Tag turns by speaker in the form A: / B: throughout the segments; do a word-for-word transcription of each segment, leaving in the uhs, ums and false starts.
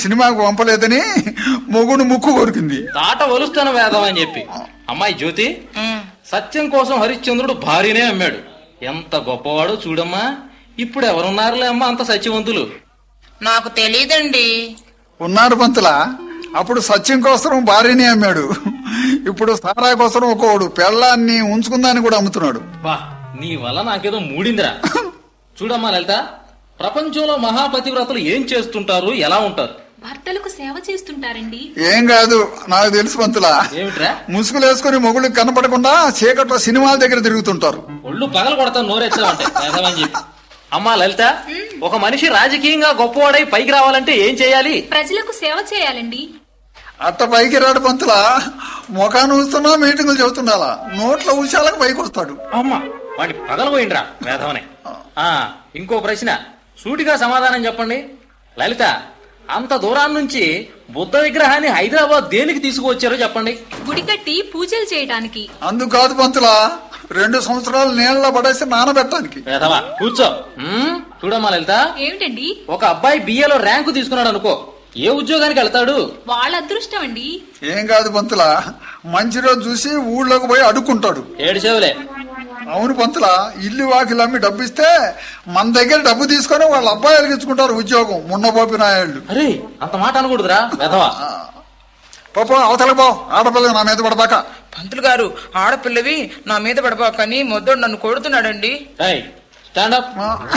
A: సినిమాకు పంపలేదని మొగుడు ముక్కు కొరికింది.
B: తాట వలుస్తాను వేదం అని చెప్పి. అమ్మాయి జ్యోతి, సత్యం కోసం హరిశ్చంద్రుడు భార్యనే అమ్మాడు. ఎంత గొప్పవాడో చూడమ్మా. ఇప్పుడు ఎవరున్నారులే అమ్మా అంత సత్యవంతులు?
C: నాకు తెలీదండి.
A: ఉన్నారు పంతులా. అప్పుడు సత్యం కోసం భార్యని అమ్మాడు. ఇప్పుడు సారా కోసం ఒకడు పెళ్ళాన్ని ఉంచుకుందాన్ని కూడా అమ్ముతున్నాడు.
B: బా, నీ వల్ల నాకేదో మూడిందిరా. చూడమ్మా లలిత, ప్రపంచంలో మహాపతివ్రతలు ఏం చేస్తుంటారు, ఎలా ఉంటారు?
D: భర్తలకు సేవ చేస్తుంటారండి.
A: ఏం కాదు, నాకు తెలుసు పంతులా.
B: ఏమిట్రా?
A: ముసుగులు వేసుకుని మొగుళ్ళకి కనపడకుండా చీకట్లో సినిమాల దగ్గర తిరుగుతుంటారు.
B: ఒళ్ళు పగలు కొడతాను నోరెచ్చావంటే వేదమని చెప్పి. అమ్మా లలిత, ఒక మనిషి రాజకీయంగా గొప్పవాడై పైకి రావాలంటే ఏం చేయాలి?
D: ప్రజలకు సేవ చేయాలండి.
A: అట్ట పైకి రాడు పంతులా. ముఖాన్ని ఊస్తున్నా మీటింగులు చెబుతుండాలా, నోట్ల ఉషాలకు పైకి వస్తాడు.
B: అమ్మా, వాడిని పగలపోయిండ్రా వేదవనే. ఆ ఇంకో ప్రశ్న, సూటిగా సమాధానం చెప్పండి. లలిత, అంత దూరాన్ని నుంచి బుద్ధ విగ్రహాన్ని హైదరాబాద్ దేనికి తీసుకువచ్చారో చెప్పండి.
D: గుడి కట్టి పూజలు చేయడానికి.
A: అందుకు కాదు పంతులా, రెండు సంవత్సరాలు నీళ్ళ పడేసి నానబెట్టడానికి.
B: వేదవా కూర్చో. చూడమ్మా లలిత,
D: ఏమిటండి?
B: ఒక అబ్బాయి బిఏలో ర్యాంకు తీసుకున్నాడు అనుకో, ఏ ఉద్యోగానికి వెళ్తాడు?
D: వాళ్ళ అదృష్టం అండి.
A: ఏం కాదు పంతులా, మంచి రోజు చూసి ఊళ్ళోకి పోయి అడుక్కుంటాడు.
B: ఏడిసేవులే.
A: అవును పంతులా, ఇల్లు వాకిలు అమ్మి డబ్బు ఇస్తే మన దగ్గర డబ్బు తీసుకొని వాళ్ళ అబ్బాయిలు ఇచ్చుకుంటారు ఉద్యోగం. మున్నపోపి నాయాళ్ళు.
B: అరే, అంత మాట అనకూడదురా వేదవా.
A: పాప అవతల పో, ఆడపిల్ల నా మీద పడబాక.
C: పంతులు గారు, ఆడపిల్లవి నా మీద పడబాకని మొద్దడు నన్ను కొడుతున్నాడండి.
B: స్టాండప్.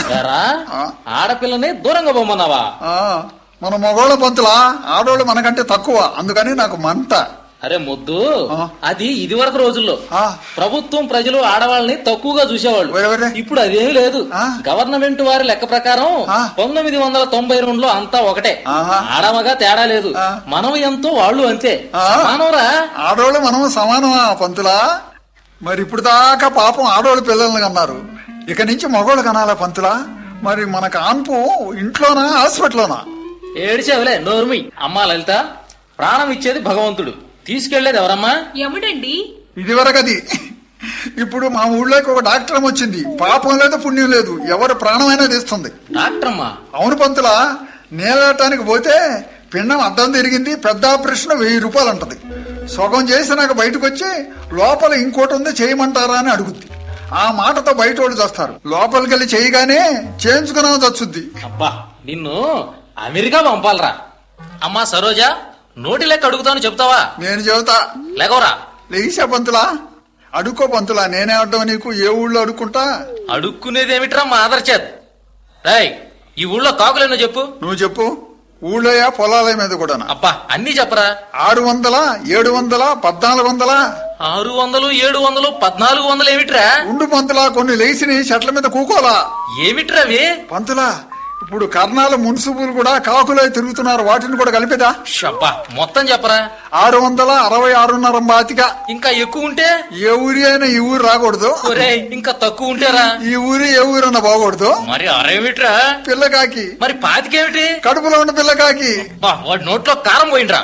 B: ఆడపిల్లని దూరంగా పోమన్నావా?
A: మన మగోళ్ళ పంతులా, ఆడోళ్ళు మనకంటే తక్కువ, అందుకని నాకు మంట.
B: అరే ముద్దు, అది ఇది వరకు రోజుల్లో ప్రభుత్వం ప్రజలు ఆడవాళ్ళని తక్కువగా చూసేవాళ్ళు. ఇప్పుడు అదేమీ లేదు. గవర్నమెంట్ వారి లెక్క ప్రకారం పంతొమ్మిది వందల తొంభై రెండులో అంతా ఒకటే, ఆడమగా తేడా లేదు. మనం ఎంతో వాళ్ళు అంతే. మానవరా,
A: ఆడోళ్ళు మనం సమానమా పంతులా? మరి ఇప్పుడు దాకా పాపం ఆడోళ్ళు పిల్లల్ని కన్నారు, ఇక నుంచి మగోళ్ళు కనాలా పంతులా? మరి మన కాన్పు ఇంట్లోనా హాస్పిటల్లోనా?
B: ఏడిచేవలే నోర్మి. అమ్మా లలిత, ప్రాణం ఇచ్చేది భగవంతుడు, తీసుకెళ్లేది ఎవరమ్మా?
D: యముడండి.
A: ఇది వరకది. ఇప్పుడు మా ఊళ్ళోకి ఒక డాక్టర్ వచ్చింది, పాపం లేదు పుణ్యం లేదు, ఎవరు ప్రాణమైనా తీస్తుంది.
B: డాక్టర్ అమ్మా?
A: అవును పంతులా, నేలటానికి పోతే పిండం అడ్డం తిరిగింది, పెద్ద ఆపరేషన్ వెయ్యి రూపాయలు అంటది. సగం చేసి నాకు బయటకు వచ్చి లోపల ఇంకోటి ఉంది చేయమంటారా అని అడుగుద్ది. ఆ మాటతో బయట వాళ్ళు చేస్తారు, లోపలికి వెళ్ళి చేయగానే చేయించుకున్నా చచ్చుద్ది.
B: అబ్బా, నిన్ను అమెరికా పంపాలరా. అమ్మా సరోజా, నోటి లెక్క అడుగుతాను చెప్తావా?
A: నేను చెబుతా.
B: లేకవరా.
A: లేచా పంతులా, అడుక్కో పంతులా. నేనే అడ్డం నీకు, ఏ ఊళ్ళో అడుక్కుంటా?
B: అడుక్కునేదేమిట్రా మా ఆదర్చేత్. రాయ్, ఈ ఊళ్ళో కాకులేనో చెప్పు.
A: నువ్వు చెప్పు. ఊళ్ళోయా పొలాల మీద కూడా?
B: అబ్బా, అన్ని చెప్పరా.
A: ఆరు వందల ఏడు వందల పద్నాలుగు వందల
B: ఆరు వందలు ఏడు వందలు పద్నాలుగు వందలు ఏమిట్రా?
A: ఉండు పంతులా, కొన్ని లేచిని చెట్ల మీద కూకోలా.
B: ఏమిట్రా అవి?
A: పంతులా, ఇప్పుడు కర్ణాల మున్సిపులు కూడా కాకులై తిరుగుతున్నారు, వాటిని కూడా కలిపేదా?
B: షబ్బా, మొత్తం చెప్పరా.
A: ఆరు వందల అరవై ఆరున్నర బాతిక.
B: ఇంకా ఎక్కువ ఉంటే?
A: ఏ ఊరి అయినా ఈ ఊరు రాకూడదు.
B: ఇంకా తక్కువ ఉంటేరా?
A: ఈ ఊరి ఏ ఊరన్నా బాగూడదు.
B: మరి అరేమిట్రా?
A: పిల్లకాకి.
B: మరి పాతికేమిటి?
A: కడుపులో ఉన్న పిల్లకాకి.
B: వాడి నోట్లో కారం పోయిండ్రా.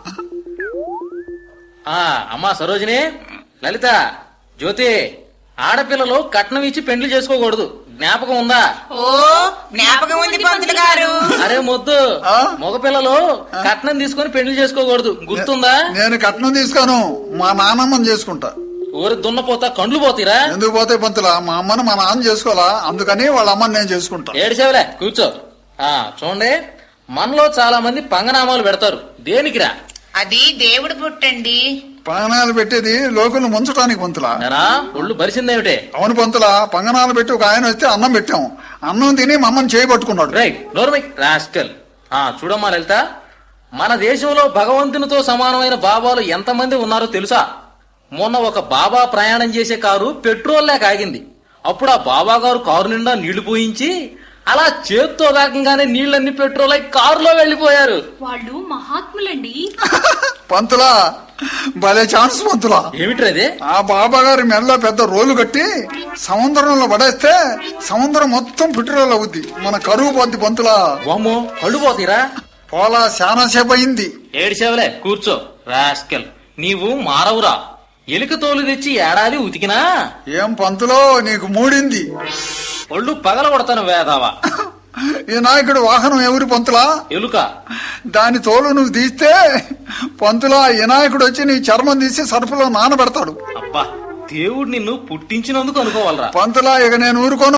B: ఆ అమ్మా సరోజిని, లలిత, జ్యోతి, ఆడపిల్లలు కట్నం ఇచ్చి పెండ్లి చేసుకోకూడదు, జ్ఞాపకం ఉందా?
C: ఓ, జ్ఞాపకం ఉంది పంతులు గారు.
B: అరే మొద్దు, మగపిల్లలు కట్నం తీసుకుని పెండ్లి చేసుకోకూడదు, గుర్తుందా?
A: నేను కట్నం తీసుకోను, మా నాన్నమ్మని చేసుకుంటా.
B: ఊరి దున్నపోతా కండ్లు పోతీరా?
A: ఎందుకు పోతాయి పంతులా, మా అమ్మను మా నాన్న చేసుకోవాలా, అందుకని వాళ్ళ అమ్మని నేను చేసుకుంటా.
B: ఏడిసేవలే, కూర్చో. ఆ చూడండి, మనలో చాలా మంది పంగనామాలు పెడతారు, దేనికిరా?
C: అది దేవుడు పుట్టండి.
A: పంగనాలు పెట్టేది లోకులు ముంచడానికి పంతులా.
B: ఒళ్ళు బరిసిందేమిటే?
A: అవును పంతులా, పంగనాలు పెట్టి ఒక ఆయన వస్తే అన్నం పెట్టాం, అన్నం తిని మమ్మల్ని చేయబట్టుకున్నాడు.
B: రైట్, నోర్మై రాస్కల్. ఆ చూడమ్మా లలిత, మన దేశంలో భగవంతునితో సమానమైన బాబాలు ఎంతమంది ఉన్నారో తెలుసా? మొన్న ఒక బాబా ప్రయాణం చేసే కారు పెట్రోల్ లేక ఆగింది. అప్పుడు ఆ బాబా గారు కారు నిండా నీళ్లు పోయించి అలా చేత్తో వేగంగానే నీళ్లన్నీ పెట్రోల్ అయి కారులో వెళ్లిపోయారు.
D: వాళ్ళు మహాత్ములండి.
A: పంతులా, భలే ఛాన్స్ పంతులా.
B: ఏమిట్రది?
A: ఆ బాబా గారి మెడలో పెద్ద రోలు కట్టి సముద్రంలో పడేస్తే సముద్రం మొత్తం పెట్రోల్ అవుద్ది, మన కరువు పోద్ది పంతులా.
B: వామ్మో, కళ్ళు పోతీరా?
A: పోలా, చాలా సేపు అయింది.
B: ఏడిసేవలే, కూర్చో రాస్కల్. నీవు మారవురా. ఎలుక తోలు తెచ్చి ఏడాది ఉతికినా
A: ఏం పంతులో నీకు మూడింది?
B: ఒళ్ళు పగల కొడతాను వేదావా.
A: ఈ నాయకుడు వాహనం ఎవరి పంతులా?
B: ఎలుక.
A: దాని తోలు నువ్వు తీస్తే పంతులా ఈ నాయకుడు వచ్చి నీ చర్మం తీసి సరుపులో నానబెడతాడు.
B: అబ్బా, దేవుడు నిన్ను పుట్టించినందుకు అనుకోవాలరా.
A: పంతులా ఇక నేను ఊరుకోను.